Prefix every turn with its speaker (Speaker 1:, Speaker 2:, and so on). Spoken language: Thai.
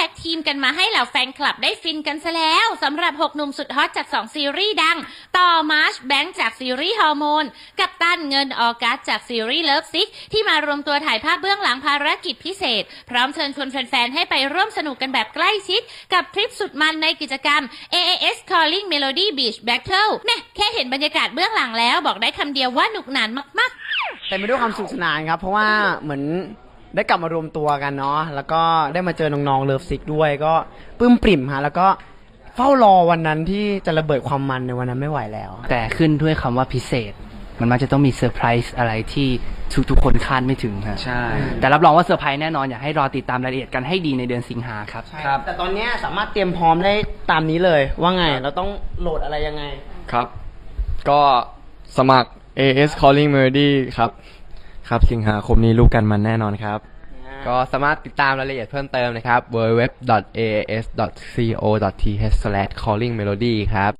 Speaker 1: ท็กทีมกันมาให้เหล่าแฟนคลับได้ฟินกันซะแล้วสำหรับ6หนุ่มสุดฮอตจาก2ซีรีส์ดังต่อมาร์ชแบงค์จากซีรีส์ฮอร์โมนกับตันเงินออกัสจากซีรีส์เลิฟซิกที่มารวมตัวถ่ายภาพเบื้องหลังภารกิจพิเศษพร้อมเชิญชวนแฟนๆให้ไปร่วมสนุกกันแบบใกล้ชิดกับทริปสุดมันในกิจกรรม AAS Calling Melody Beach Battle แน่แค่เห็นบรรยากาศเบื้องหลังแล้วบอกได้คำเดียวว่าหนุกหนานมากๆ
Speaker 2: แต่ไม่ด้วยความสนุกสนานครับเพราะว่าเหมือนได้กลับมารวมตัวกันเนาะแล้วก็ได้มาเจอน้องๆเลิฟซิกด้วยก็ปลื้มปริ่มฮะแล้วก็เฝ้ารอวันนั้นที่จะระเบิดความมันในวันนั้นไม่ไหวแล้ว
Speaker 3: แต่ขึ้นด้วยคำว่าพิเศษมันมักจะต้องมีเซอร์ไพรส์อะไรที่ทุกคนคาดไม่ถึงฮะใช่แต่รับรองว่าเซอร์ไพรส์แน่นอนอยากให้รอติดตามรายละเอียดกันให้ดีในเดือนสิงหาครับ
Speaker 2: ครับแต่ตอนนี้สามารถเตรียมพร้อมได้ตามนี้เลยว่าไงเราต้องโหลดอะไรยังไง
Speaker 4: ครับก็สมัคร AS Calling Melody ครับสิงหาคมนี้รู้กันมันแน่นอนครับก็สามารถติดตามรายละเอียดเพิ่มเติมนะครับ www.aas.co.th/callingmelody ครับ